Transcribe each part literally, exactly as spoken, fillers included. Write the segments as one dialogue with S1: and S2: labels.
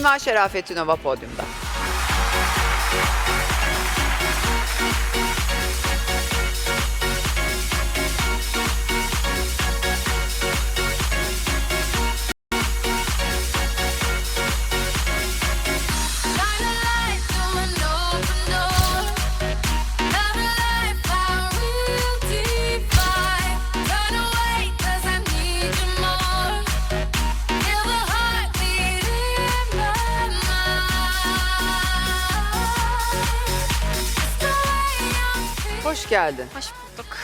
S1: Sima Şerafettinova podyumda. Hoş geldin.
S2: Hoş bulduk.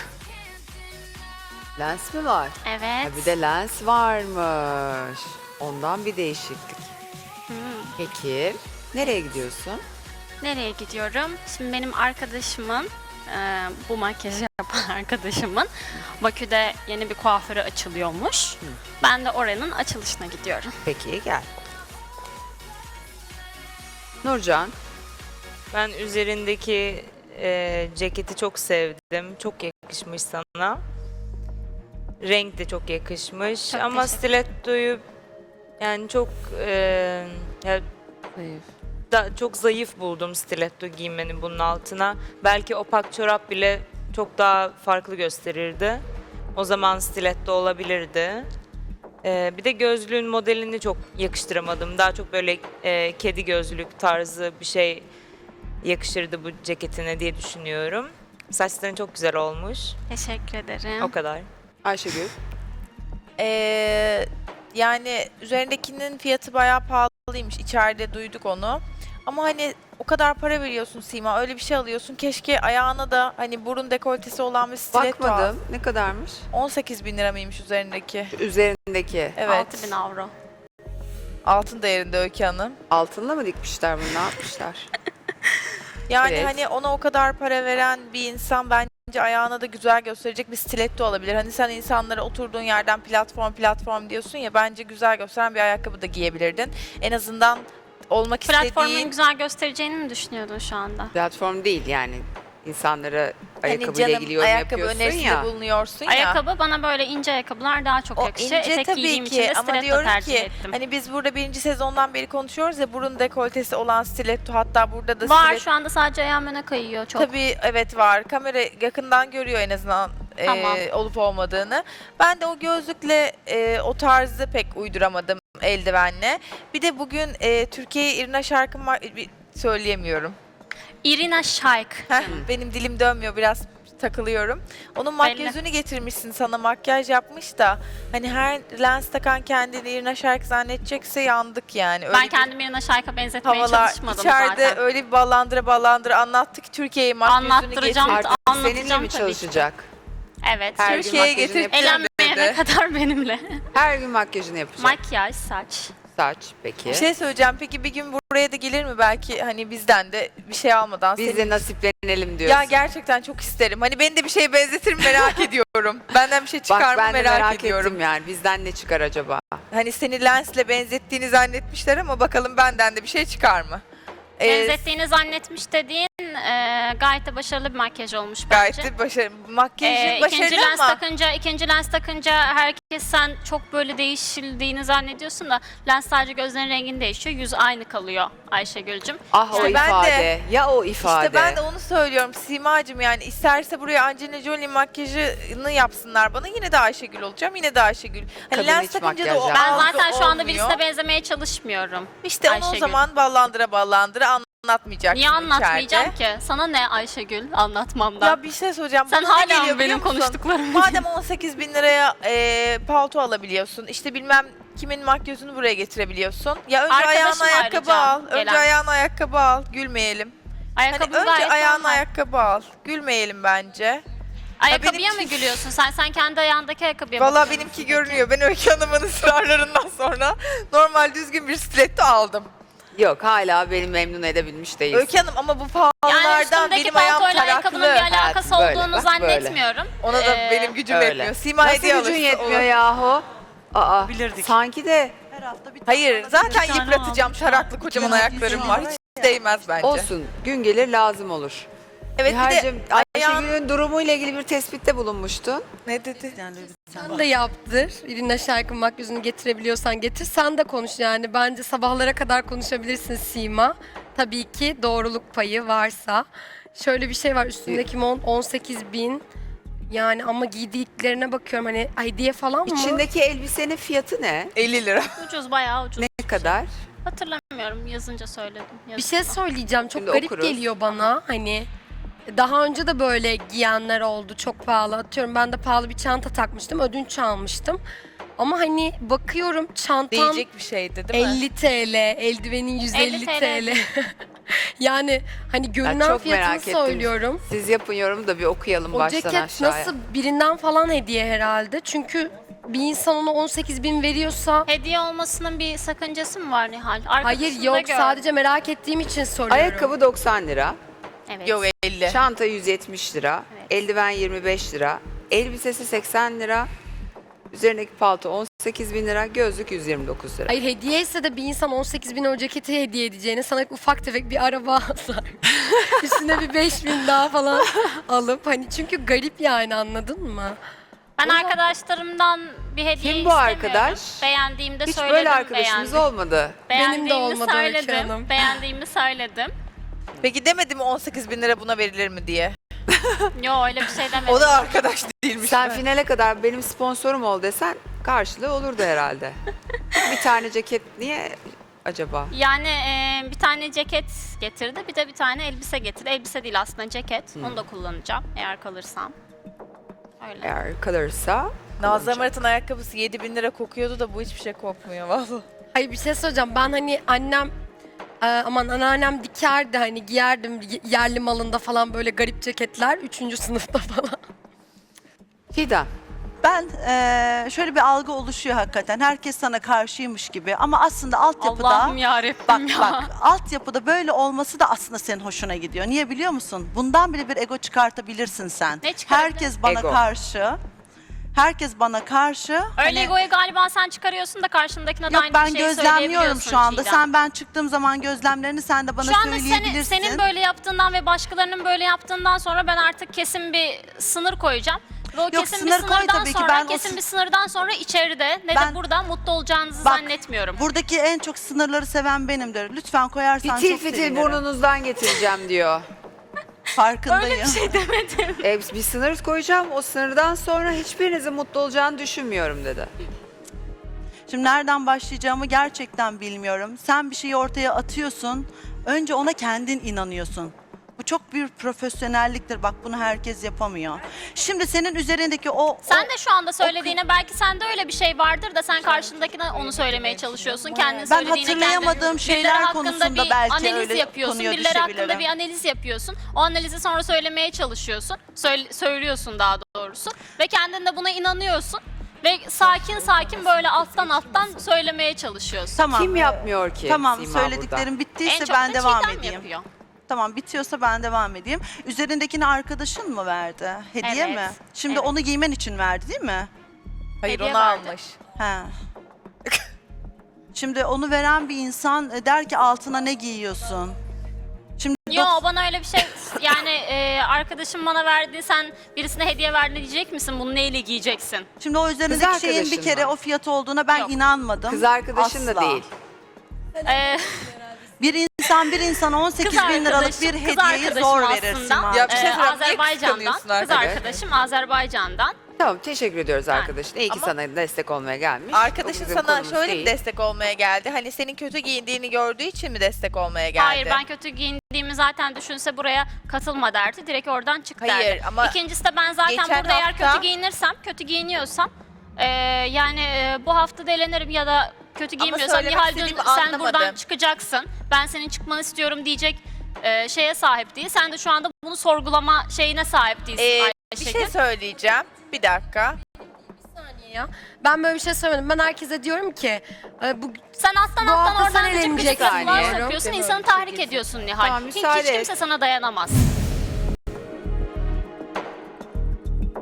S1: Lens mi var?
S2: Evet.
S1: Ha, bir de lens varmış. Ondan bir değişiklik.
S2: Hmm.
S1: Peki, nereye gidiyorsun?
S2: Nereye gidiyorum? Şimdi benim arkadaşımın, e, bu makyajı yapan arkadaşımın Bakü'de yeni bir kuaförü açılıyormuş.
S1: Hı.
S2: Ben de oranın açılışına gidiyorum.
S1: Peki, gel. Nurcan,
S3: Ben üzerindeki e, ceketi çok sevdim. Çok yakışmış sana. Renk de çok yakışmış.
S2: Çok
S3: Ama
S2: teşekkür
S3: stilettoyu yani çok e, ya,
S1: zayıf.
S3: da, çok zayıf buldum stiletto giymeni bunun altına. Belki opak çorap bile çok daha farklı gösterirdi. O zaman stiletto olabilirdi. E, bir de gözlüğün modelini çok yakıştıramadım. Daha çok böyle e, kedi gözlük tarzı bir şey yakışırdı bu ceketine diye düşünüyorum. Saçların çok güzel olmuş.
S2: Teşekkür ederim.
S3: O kadar.
S1: Ayşegül,
S4: Ee, yani üzerindekinin fiyatı bayağı pahalıymış. İçeride duyduk onu. Ama hani o kadar para veriyorsun Sima, öyle bir şey alıyorsun. Keşke ayağına da hani burun dekoltesi olan bir stiletto al.
S1: bakmadım. Ne kadarmış?
S4: on sekiz bin lira mıymış üzerindeki?
S1: Üzerindeki.
S4: Evet.
S2: altı bin avro.
S4: Altın değerinde Öykü Hanım.
S1: Altınla mı dikmişler bunu? Ne yapmışlar?
S4: Yani
S1: Evet.
S4: hani ona o kadar para veren bir insan bence ayağına da güzel gösterecek bir stiletto alabilir. Hani sen insanlara oturduğun yerden platform platform diyorsun ya, bence güzel gösteren bir ayakkabı da giyebilirdin. En azından olmak
S2: Platformun
S4: istediğin
S2: güzel göstereceğini mi düşünüyordun şu anda?
S1: Platform değil yani. İnsanlara
S4: hani
S1: ayakkabıyla
S4: canım
S1: ilgili yorum
S4: ayakkabı
S1: yapıyorsun
S4: önerisinde
S1: ya.
S4: bulunuyorsun ya.
S2: Ayakkabı bana böyle ince ayakkabılar daha çok
S4: O
S2: yakışır.
S4: ince
S2: Etek
S4: tabii
S2: giydiğim için
S4: ki
S2: de
S4: ama
S2: stiletto
S4: diyorum
S2: tercih
S4: ki
S2: ettim.
S4: hani biz burada birinci sezondan beri konuşuyoruz ya, burun dekoltesi olan stiletto, hatta burada da
S2: Var
S4: stiletto.
S2: şu anda, sadece ayağım öne kayıyor çok.
S4: Tabii evet var. Kamera yakından görüyor en azından e,
S2: Tamam.
S4: olup olmadığını. Ben de o gözlükle e, o tarzı pek uyduramadım eldivenle. Bir de bugün e, Türkiye'ye Irina şarkım var. bir- Söyleyemiyorum.
S2: Irina Shayk.
S4: Heh, benim dilim dönmüyor, biraz takılıyorum. Onun makyajını getirmişsin, sana makyaj yapmış da hani her lens takan kendini Irina Shayk zannedecekse yandık yani. Öyle
S2: Ben
S4: bir
S2: kendimi Irina Shayk'a benzetmeye
S4: havalar
S2: çalışmadım
S4: içeride
S2: zaten.
S4: öyle bir ballandıra ballandıra anlattı ki Türkiye'ye makyajını
S2: Anlattıracağım.
S4: getirdi.
S1: Artık seninle
S2: Anlatacağım
S1: mi
S2: tabii
S1: çalışacak?
S2: Evet.
S1: Her gün
S4: Türkiye'ye
S1: makyajını
S4: getirip
S1: yapacak.
S2: Elenmeyene
S4: dedi.
S2: kadar benimle.
S1: Her gün makyajını yapacak.
S2: Makyaj, saç.
S1: Saç peki.
S4: Bir şey söyleyeceğim. Peki bir gün buraya da gelir mi belki, hani bizden de bir şey almadan?
S1: Biz
S4: senin-
S1: de nasiplenelim diyorsun.
S4: Ya gerçekten çok isterim. Hani beni de bir şeye benzetir mi merak ediyorum. Benden bir şey çıkar
S1: Bak
S4: mı
S1: ben de
S4: merak,
S1: merak
S4: ediyorum.
S1: ettim yani. Bizden ne çıkar acaba?
S4: Hani seni lensle benzettiğini zannetmişler ama bakalım benden de bir şey çıkar mı? Ee,
S2: Benzettiğini zannetmiş dediğin e, gayet de başarılı bir makyaj olmuş bence.
S4: Gayet de başarılı. Makyajın
S2: Ee, ikinci
S4: başarılı
S2: lens
S4: ama
S2: takınca, ikinci lens takınca herkes sen çok böyle değişildiğini zannediyorsun da lens sadece gözlerin rengini değişiyor. Yüz aynı kalıyor Ayşegül'cüm.
S1: Ah o
S4: İşte ben de-
S1: ifade. Ya o ifade.
S4: İşte ben de onu söylüyorum Simacığım, yani isterse buraya Angelina Jolie makyajını yapsınlar bana, yine de Ayşegül olacağım, yine de Ayşegül. Hani
S1: Kadın
S4: lens
S1: hiç
S4: takınca da
S1: makyaj
S4: o
S1: yapmaz.
S2: Ben
S4: algı
S2: zaten şu anda
S4: olmuyor.
S2: birisine benzemeye çalışmıyorum.
S4: İşte onu o
S2: Ayşegül.
S4: zaman ballandıra ballandıra anlatmayacaksın
S2: Niye anlatmayacağım
S4: içeride.
S2: ki? Sana ne Ayşegül anlatmamdan?
S4: Ya bir şey söyleyeceğim.
S2: Sen
S4: Bugün ne
S2: hala
S4: geliyor
S2: mı benim
S4: biliyor musun?
S2: konuştuklarımı
S4: Madem on sekiz bin liraya e, palto alabiliyorsun, işte bilmem kimin makyajını buraya getirebiliyorsun. Ya önce
S2: Arkadaşım
S4: ayağına ayakkabı
S2: ayrıca
S4: al. Önce
S2: gelen.
S4: ayağına ayakkabı al. Gülmeyelim.
S2: Ayakkabı
S4: Hani önce
S2: gayet
S4: ayağına
S2: normal.
S4: ayakkabı al. Gülmeyelim bence.
S2: Ayakkabıya
S4: benim-
S2: mı gülüyorsun sen? Sen kendi ayağındaki ayakkabıya
S4: Valla
S2: bakıyor
S4: benimki
S2: musun peki?
S4: görünüyor. Ben Öykü Hanım'ın ısrarlarından sonra normal düzgün bir stiletto aldım.
S1: Yok hala beni memnun edebilmiş değilsin.
S4: Öykü Hanım ama bu
S2: Yani
S4: pahalılardan
S2: üstümdeki
S4: benim ayağım
S2: paltoyla
S4: taraklı.
S2: ayakkabının bir alakası
S1: Evet, böyle,
S2: olduğunu
S1: bak
S2: zannetmiyorum.
S4: Ona da
S2: Ee,
S4: benim gücüm
S1: öyle.
S4: yetmiyor. Sima
S1: Nasıl
S4: hediye
S1: gücün
S4: alırsa
S1: yetmiyor
S4: olur.
S1: yahu? Aa,
S3: Bilirdik.
S1: sanki de
S4: Hayır, zaten
S2: tane
S4: yıpratacağım. Taraklı kocaman ayaklarım var. Hiç değmez bence.
S1: olsun. Gün gelir lazım olur.
S4: Evet bir de
S1: Nihal'cim
S4: ayağın-
S1: Ayşegül'ün durumuyla ilgili bir tespitte bulunmuştun.
S4: ne dedi?
S5: Sen de yaptır. Irina Şarkın makyajını getirebiliyorsan getir. Sen de konuş yani. Bence sabahlara kadar konuşabilirsin Sima. Tabii ki doğruluk payı varsa. Şöyle bir şey var. Üstündeki mont on sekiz bin. Yani ama giydiklerine bakıyorum hani hediye falan mı?
S1: İçindeki elbisenin fiyatı ne?
S4: elli lira.
S2: Ucuz, bayağı ucuz.
S1: Ne kadar?
S2: Hatırlamıyorum, yazınca söyledim.
S5: Bir şey söyleyeceğim. Çok
S1: Şimdi
S5: garip
S1: okuruz.
S5: geliyor bana. Hani daha önce de böyle giyenler oldu. Çok pahalı. Atıyorum ben de pahalı bir çanta takmıştım. Ödünç almıştım. Ama hani bakıyorum çantam
S4: Diyecek bir şeydi değil mi?
S5: elli TL, eldivenin yüz elli
S2: elli
S5: TL. Yani hani görünen
S1: çok
S5: fiyatını
S1: merak ettim.
S5: söylüyorum.
S1: Siz yapın yorumu da bir okuyalım
S5: O
S1: baştan
S5: ceket
S1: aşağıya.
S5: nasıl birinden falan hediye herhalde. Çünkü bir insan ona on sekiz bin veriyorsa
S2: Hediye olmasının bir sakıncası mı var Nihal?
S5: hayır
S2: Arkadaşımda
S5: yok
S2: gördüm.
S5: sadece merak ettiğim için soruyorum.
S1: Ayakkabı doksan lira,
S2: Evet.
S4: Yok elli.
S1: çanta yüz yetmiş lira,
S2: Evet.
S1: eldiven yirmi beş lira, elbisesi seksen lira, üzerindeki palto on sekiz bin lira, gözlük yüz yirmi dokuz lira.
S5: Hayır hediye ise de bir insan on sekiz bin o ceketi hediye edeceğine sana ufak tefek bir araba alsa üstüne bir beş bin daha falan alıp hani çünkü garip yani anladın mı?
S2: Ben arkadaşlarımdan bir hediye
S1: Kim bu
S2: istemiyorum.
S1: arkadaş?
S2: Beğendiğimde
S1: Hiç
S2: söyledim.
S1: böyle arkadaşımız
S2: beğendim.
S1: olmadı.
S5: Benim de
S2: Beğendiğimi
S5: olmadı Öykü
S2: söyledim.
S5: Hanım.
S2: Beğendiğimi söyledim.
S4: Peki demedi mi on sekiz bin lira buna verilir mi diye?
S2: Yo, öyle bir şey demedim.
S4: O da arkadaş değilmiş.
S1: Sen finale kadar benim sponsorum ol desen karşılığı olurdu herhalde. Bir tane ceket niye acaba?
S2: Yani e, bir tane ceket getirdi, bir de bir tane elbise getirdi. Elbise değil aslında, ceket.
S1: Hmm.
S2: Onu da kullanacağım eğer kalırsam. Öyle.
S1: Eğer kalırsa
S4: Nazlı Amarat'ın ayakkabısı yedi bin lira kokuyordu da bu hiçbir şey kokmuyor vallahi.
S5: Hayır bir şey söyleyeceğim ben hani annem e, aman anneannem dikerdi hani giyerdim y- yerli malında falan böyle garip ceketler üçüncü sınıfta falan.
S1: Fidan.
S6: Ben eee, şöyle bir algı oluşuyor hakikaten. Herkes sana karşıymış gibi ama aslında altyapıda
S2: Allah'ım yarabbim
S6: bak
S2: ya.
S6: bak altyapıda böyle olması da aslında senin hoşuna gidiyor. Niye biliyor musun? Bundan bile bir ego çıkartabilirsin sen.
S2: Ne çıkarabilirim?
S6: Herkes bana
S1: Ego.
S6: karşı. Herkes bana karşı.
S2: Öyle
S6: hani-
S2: egoyu galiba sen çıkarıyorsun da karşındakine de
S6: Yok
S2: aynı
S6: ben
S2: şeyi
S6: gözlemliyorum
S2: söyleyebiliyorsun
S6: şu anda.
S2: Çiğdem.
S6: Sen ben çıktığım zaman gözlemlerini sen de bana
S2: Şu anda
S6: söyleyebilirsin.
S2: senin, senin böyle yaptığından ve başkalarının böyle yaptığından sonra ben artık kesin bir sınır koyacağım. Ve o
S6: Yok,
S2: kesin bir
S6: sınır koy
S2: sınırdan
S6: tabii ki.
S2: sonra,
S6: Ben o
S2: kesin
S6: sı-
S2: bir sınırdan sonra içeride ne
S6: Ben-
S2: de burada mutlu olacağınızı
S6: Bak,
S2: zannetmiyorum.
S6: Buradaki en çok sınırları seven benimdir. Lütfen koyarsan
S1: Fitil
S6: çok
S1: fitil
S6: sevinirim.
S1: burnunuzdan getireceğim diyor.
S6: Farkındayım.
S2: Öyle bir şey demedim.
S1: E, bir sınır koyacağım. O sınırdan sonra hiçbirinizin mutlu olacağını düşünmüyorum dedi.
S6: Şimdi nereden başlayacağımı gerçekten bilmiyorum. Sen bir şeyi ortaya atıyorsun. Önce ona kendin inanıyorsun. Bu çok bir profesyonelliktir. Bak bunu herkes yapamıyor. Şimdi senin üzerindeki o...
S2: Sen
S6: o-
S2: de şu anda söylediğine belki sende öyle bir şey vardır da sen karşındakine onu söylemeye çalışıyorsun. Kendin
S6: Ben
S2: söylediğine
S6: hatırlayamadığım
S2: kendin.
S6: şeyler
S2: Birileri hakkında
S6: konusunda
S2: bir
S6: belki
S2: analiz
S6: öyle
S2: yapıyorsun.
S6: konuya
S2: Birileri hakkında
S6: düşebilirim.
S2: bir analiz yapıyorsun. O analizi sonra söylemeye çalışıyorsun. Söyle- söylüyorsun daha doğrusu. Ve kendin de buna inanıyorsun. Ve sakin sakin böyle alttan alttan söylemeye çalışıyorsun.
S6: Tamam.
S1: Kim yapmıyor ki?
S6: Tamam
S1: Sima
S6: söylediklerim
S2: En
S6: bittiyse
S2: çok
S6: ben
S2: da
S6: devam
S2: Çiğdem
S6: edeyim.
S2: yapıyor.
S6: Tamam bitiyorsa ben devam edeyim. Üzerindekini arkadaşın mı verdi? Hediye
S2: Evet,
S6: mi? Şimdi
S2: evet.
S6: onu giymen için verdi değil mi?
S4: Hayır
S2: Hediye
S4: onu
S2: verdi.
S4: almış.
S6: He. Şimdi onu veren bir insan e, der ki altına ne giyiyorsun? Şimdi
S2: Yo,
S6: dok-
S2: bana öyle bir şey yani e, arkadaşım bana verdi, sen birisine hediye verdin diyecek misin? Bunu neyle giyeceksin?
S6: Şimdi o üzerindeki
S1: Kız
S6: şeyin bir
S1: arkadaşın
S6: kere
S1: mı?
S6: o fiyat olduğuna ben
S2: Yok.
S6: inanmadım.
S1: Kız arkadaşın da
S6: Asla.
S1: değil.
S2: E,
S6: Bir insan bir insana on sekiz bin liralık
S2: arkadaşım-
S6: bir
S2: kız
S6: hediyeyi
S2: arkadaşım
S6: zor
S2: aslında.
S6: verir Sima.
S4: Ya bir şey
S2: e,
S4: söyleyeyim, niye
S2: Azerbaycan'dan,
S4: kıskanıyorsun
S2: kız
S4: arkadaş?
S2: arkadaşım Azerbaycan'dan.
S1: Tamam teşekkür ediyoruz
S2: Ha.
S1: arkadaşın. İyi ki
S4: Ama-
S1: sana destek olmaya gelmiş. O
S4: Arkadaşın
S1: bizim
S4: sana
S1: konumuz
S4: şöyle
S1: değil.
S4: bir destek olmaya geldi. Hani senin kötü giyindiğini gördüğü için mi destek olmaya geldi?
S2: Hayır, ben kötü giyindiğimi zaten düşünse buraya katılma derdi. Direkt oradan çık derdi.
S4: Hayır, ama
S2: İkincisi de ben zaten
S4: geçen
S2: burada eğer
S4: hafta-
S2: kötü giyinirsem, kötü giyiniyorsam e, yani e, bu hafta da elenirim ya da kötü giymiyorsam
S4: söylemek
S2: Nihal dün
S4: istediğimi
S2: sen buradan
S4: anlamadım.
S2: çıkacaksın. Ben senin çıkmanı istiyorum diyecek e, şeye sahip değil. Sen de şu anda bunu sorgulama şeyine sahip değilsin
S4: Ee, bir
S2: Ayşegül.
S4: şey söyleyeceğim. Bir dakika.
S5: saniye ya. Ben böyle bir şey söylemedim. Ben herkese diyorum ki e, bu
S2: Sen alttan
S5: Bu
S2: alttan
S5: hafta
S2: oradan
S5: sen
S2: da çıkıp
S5: eğleneceksin
S2: laflar
S1: diyorum.
S2: sokuyorsun.
S1: Değil mi?
S2: İnsanı
S1: Öyle bir şey
S2: tahrik
S1: kesin.
S2: ediyorsun Nihal.
S1: Tamam,
S2: hiç,
S1: müsaade
S2: hiç kimse
S1: et.
S2: sana dayanamaz.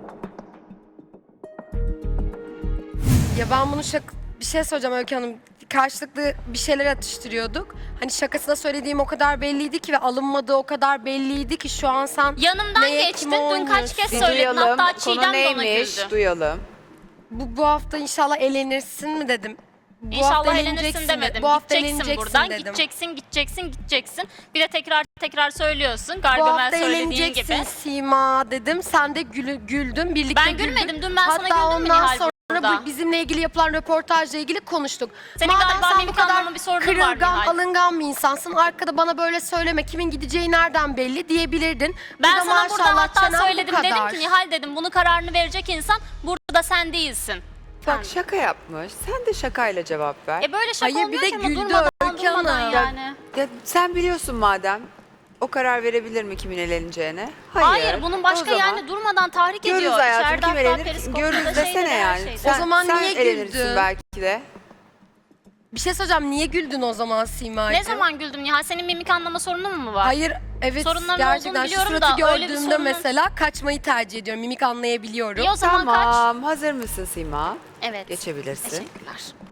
S5: ya ben bunu şak bir şey söyleyeceğim Öykü Hanım. karşılıklı bir şeyler atıştırıyorduk. Hani şakasına söylediğim o kadar belliydi ki ve alınmadığı o kadar belliydi ki şu an sen
S2: Yanımdan
S5: neye,
S2: geçtin.
S5: kime
S2: Dün kaç kez
S1: Bir
S2: söyledin.
S1: duyalım.
S2: Hatta
S1: Konu
S2: Çiğdem de ona
S1: neymiş?
S2: güldü.
S1: Duyalım.
S5: bu, bu hafta inşallah elenirsin mi dedim. Bu
S2: İnşallah
S5: hafta
S2: elenirsin
S5: eleneceksin
S2: demedim.
S5: Bu hafta
S2: Gideceksin
S5: eleneceksin
S2: buradan.
S5: dedim.
S2: Gideceksin, gideceksin, gideceksin. Bir de tekrar tekrar söylüyorsun.
S5: Bu
S2: Gargamel
S5: hafta
S2: söylediğin
S5: eğleneceksin
S2: gibi.
S5: Sima dedim. Sen de gülü, güldün. Birlikte
S2: Ben
S5: güldük.
S2: gülmedim. Dün ben sana
S5: Hatta
S2: güldüm mü
S5: ondan
S2: Nihal
S5: sonra
S2: burada?
S5: bu bizimle ilgili yapılan röportajla ilgili konuştuk.
S2: Senin
S5: Madem
S2: galiba
S5: sen bu
S2: mimik
S5: kadar
S2: anlama bir sorunun var
S5: kırılgan,
S2: Nihal.
S5: alıngan bir insansın. Arkada bana böyle söyleme. Kimin gideceği nereden belli diyebilirdin.
S2: Ben
S5: Burada
S2: sana burada
S5: maşallah
S2: hatta
S5: çenen bu
S2: söyledim. Dedim
S5: kadar.
S2: ki Nihal dedim bunu kararını verecek insan burada sen değilsin.
S1: Bak şaka yapmış. Sen de şakayla cevap ver.
S2: E böyle şaka
S5: Hayır, bir
S2: olmuyor
S5: de
S2: ki ama
S5: güldü
S2: durmadan
S5: Öykü
S2: durmadan
S5: Hanım.
S2: yani.
S1: Ya sen biliyorsun madem. O karar verebilir mi kimin eleneceğine? Hayır.
S2: Hayır, bunun
S1: O
S2: başka
S1: zaman
S2: yani durmadan tahrik
S1: görürüz
S2: ediyor.
S1: hayatım
S2: İçeride
S1: kim
S2: hatta
S1: elenir.
S2: periskopta
S1: Görürüz
S2: da şeyde de
S1: desene
S2: her
S1: yani.
S2: şeyde.
S1: Sen,
S5: O zaman
S1: sen
S5: niye
S1: elenirsin
S5: güldün?
S1: belki de.
S5: Bir şey söyleyeceğim. Niye güldün o zaman Sima'cığım?
S2: Ne zaman güldüm Nihal? Senin mimik anlama sorunun mu var?
S5: Hayır, evet
S2: Sorunların
S5: gerçekten
S2: olduğunu
S5: şu
S2: biliyorum
S5: suratı
S2: da öyle bir
S5: gördüğümde
S2: sorunun-
S5: mesela kaçmayı tercih ediyorum. Mimik anlayabiliyorum.
S2: İyi o zaman kaç.
S1: Tamam. Hazır mısın Sima?
S2: Evet.
S1: Geçebilirsin.
S2: Teşekkürler.